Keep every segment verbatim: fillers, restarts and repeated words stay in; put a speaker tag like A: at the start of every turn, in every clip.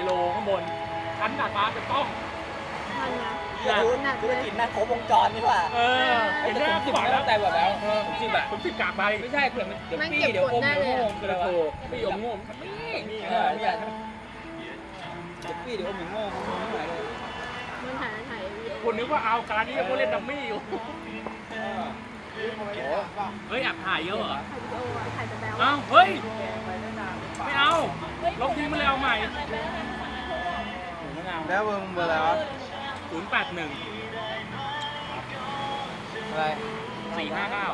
A: โลข้างบนชั้นดาดฟ้าจะต้อง
B: ธุรกิจแม่ครบวงจรนี่ว่า
A: เออเห็นไหมผมบอกแล้วแต่แบบแล้วผมสิบอะผมสิบกากไปไม่ใช่เผื่อมันเดี๋ยวปี้เดี๋ยวอมเดี๋ยวงงเดี๋ยวโถปี้อมงงนี่เออเนี่ยเดี๋ยวปี้เดี๋ยวอมงงงงไม่ไหวเลย
C: มันถ่ายถ่าย
A: คุณนึกว่าเอาการนี้ก็เล่นดัมมี่อยู่เฮ้ยแอบถ่ายเยอะเหรอ
C: ถ่ายแต่แบล
A: อ้าวเฮ้ยไม่เอาลบทิ้งมาเลยเอาใหม่
B: แล้วเบอร์เบอร์อะไรวะ
A: ศูนย์แปดหนึ่ง
B: อะไร
A: สี่ห้าเก้า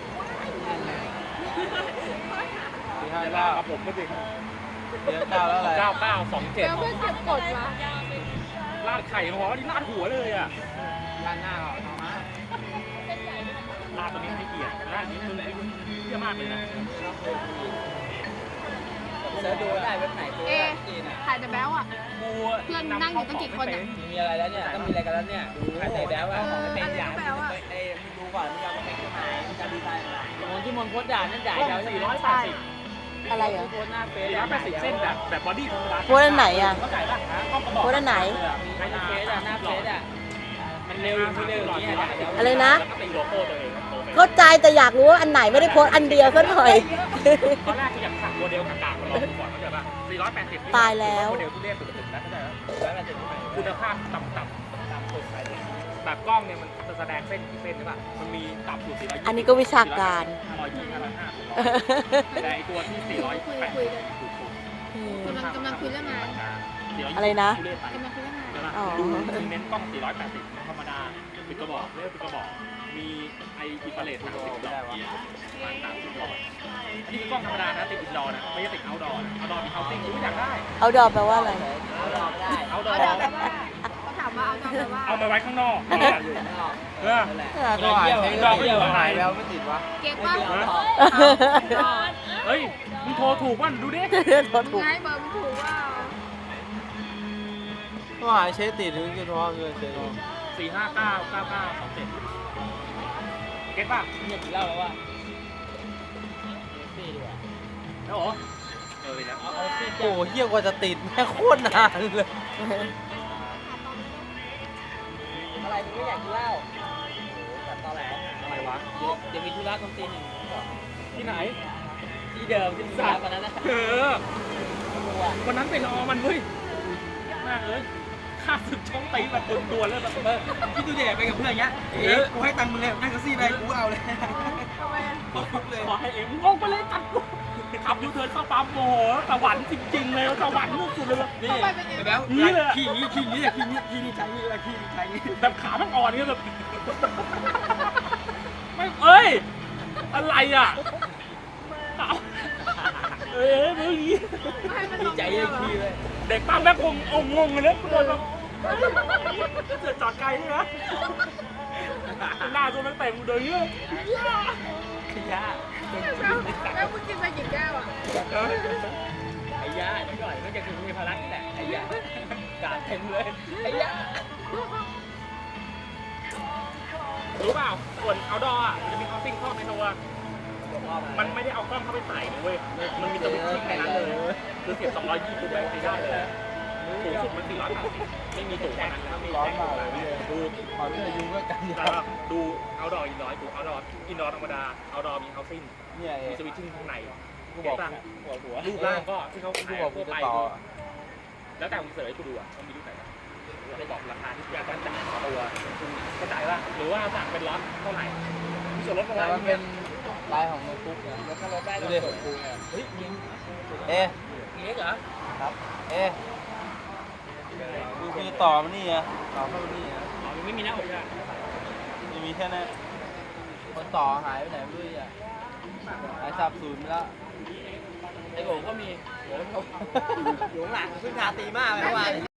B: สี่ห้าเก้า
A: กับผมก็จริง
B: เดี๋ยวเก้าแล้วอะไร
A: เก้าเก้าสองเจ็ด
C: แล้วเพื่อนเก็บกดมา
A: ลาดไข่หัวนี่ลาดหัวเลยอ่ะ
B: ลาดหน้าเอาเอามา
A: ลาดตัวนี้ให้เกียรติลาดนี้มึงเยี่ยมากเลยนะ
B: เสิร์ชดูได้เว็บไหนตัวจีนอ่ะ
C: ถ่ายแต่แบลอ่ะเพื่อนนั่งอยู่ตั้งกี่คนอ่ะ
B: มีอะไรแล้วเนี่ยต้องมีอะไรกันแล้วเนี่ยดูถ่ายแต่แบลว่าของเป็นอย่างเอ้มึงดูก่อนมึงเอาไปเป็นที่ไหนมึงจะดีไซน์อะไรโมที่มนโคตรด่านั่นด่าเรา
A: สี่ร้อยแปดสิบ
D: อะไรเหรอ
B: โคตรหน้าเฟซ
A: สี่ร้อยแปดสิบเส้นแบบแบบบอดี้ธรรมดา
D: โคตรอันไหนอ่ะโคตรอันไหน
B: หน้าเฟซอ่ะหน้าเฟซอ่ะมันเร็วมันเร็วอย่างนี้
D: อะไรนะ
A: แล้วก็ตีโลโก้ตัวเอง
D: เข้าใจแต่อยากรู้ว่าอันไหนไม่ได้โพสอันเดียวซะหน่อย
A: ตอนแรกก็อยากสั่งโมเดลกากๆมาลองดูก่อนเข้าใจป่ะสี่ร้อยแปดสิบ
D: ตายแล้ว
A: โมเดลที่เรียกสุดๆนะเข้าใจป่ะคุณภาพต่ำๆต่ำสุดแบบกล้องเนี่ยมันจะแสดงเส้นกี่เส้นใช่ป่ะมันมีต่ำสุดสี่ร้อยยี่สิบ
D: อันนี้ก็วิชาการ
A: ห้าร้อยยี่สิบห้าร้อยห้าสิบแต่ไอตัวที่สี่ร้อยแปดสิบ
C: กำลังกำลังคุยเรื่องงาน
D: อะไรนะ
C: กำลังคุยเรื่องงาน
A: ดูเน้นกล้องสี่ร้อยแปดสิบธรรมดาปิดกระบอกเรียกปิดกระบอกมีไออินฟราเรดสามสิบดอกมันสามสิบดอกอันนี้คือกล้องธรรมดานะติดอินดอร์นะไม่ใช่ติดเอาท์ดอร์เอาท์ดอร์มีเฮาติ้งรู้อยากได้
D: เอาดอแปลว่าอะไร
B: เอาดอไม่ได้
A: เอาดอ
C: แปลว่าเขาถามว่าเอาดอแปลว่า
A: เอาไปไว้ข้างนอกอยู่เออ
B: ก็หายดอไม่อยู่หายแล้วไม่ติดวะ
C: เก็บป่ะ
A: เฮ้ยมึงโทรถูกป่ะดูดิ
D: โทรถูก
C: ไงเบอร์มันถูกว่า
B: ก็หายเช็ดติดถึงจะโทรเงินเช็ด
A: สี่ห้าเก้าเก้าเก้าสองเจ็ดเก็ตป่ะ
B: เนี่ยกี่เล่าแล้วว่าซี่ดีกว่า
A: แล้วเหรอเออเนี่ย
B: เอาซี่โอ้เยี่ยกว่าจะติดแม่โคตรนานเลยอะไรมึงไม่อยากกินเหล้าแบบตอแหล
A: อะไรวะ
B: เดี๋ยวมีธุระตรงตีหนึ่ง
A: ที่ไหน
B: ที่เดิมที่มึงมาวันนั้นนะ
A: เออวันนั้นไปรอมันเว้ยมากเลยข้าศึกช่องตีแบบตัวตัวเลยแบบเออ
B: คิดดูเด็กไปกับเพื่อนเงี้ยเอ๊ะกูให้ตังค์มึงเลยนั่งแท็กซี่ไปกูเอาเลย
A: ขอเลยขอให้เอ็งงงไปเลยตัดกูขับยูเทิร์นเข้าปั๊มโมโหสวรรค์จริงๆเลยสวรรค์สุดเลย
B: นี่แล้ว
A: นี่เลย
B: ขี่นี้ขี่นี้ขี่นี้ขี่นี้ใช้นี่ขี่นี้ใช้นี่
A: แบบขามันอ่อนเนี่ยแบบไม่เอ้ยอะไรอ่ะเอ้ยมึง
B: ดีใจเลยขี่เลย
A: เด็กปั๊มแม่คงองงงเลยทุกคนแบบเสือจอดไกลใช่ไหมหน้าตัวมันเต็มเลยเนี่ย
B: ขยะ
C: แล้วมึงกินไปกี่แก้วอ่ะ
B: ไอ้ยาไม่ก่อนมันจะคือมีพลังนี่แหละไอ้ยากาดเต็มเลยไอ้ยา
A: รู้เปล่าส่วนเอาดออ่ะมันจะมีคอสติ้งครอบในตัวมันไม่ได้เอากล้องเข้าไปใส่เว้ยมันมีสวิตช์แค่นั้นเลยคือเสียบสองร้อยยี่สิบแบบได้เลยสูงสุดมันสี่ร้อยแปดสิบไม่มีสูงกว่านั้นแล้วมีร้อนมากเลยดู
B: ขอที่อายุก็กัน
A: ดูเอาดออินดอร์ดูเอาดออินดอร์ธรรมดาเอาดอมีเฮาซิ่งมีสวิตชิ่งข้างใน
B: กูบอกหัวหัว
A: รูปร่างก็ที่เขาขายทั่วไปแล้วแต่คุณเสิร์ชกูดูอ่ะมันมีรูปไหนจะบอกราคาที่อยากจะจ่ายตัวก็จ่ายว่าหรือว่าสั่งเป็นล็อตเท่าไหร่มีส่วนลดอะไร
B: มันเป็นลายของโน้ตบุ๊กเนี่ยแล้วถ้าลดได้ก็ส่วนคูเนี่ยเฮ้ยเอ๊ะเล็กเหรอครับเอ๊ะดูคือต่อมันนี่อ่ะต่อเข้ามันนี่อ่ะ
A: อ๋อมันไม่มีหน้าอกใช่ไหม
B: มันมีแค่นั้นคนต่อหายไปไหนไม่รู้อ่ะหายสับสูญไปแล้วไอ้โง่ก็มีโง่อยู่หลังเพิ่งทาตีมากเลยเมื่อวาน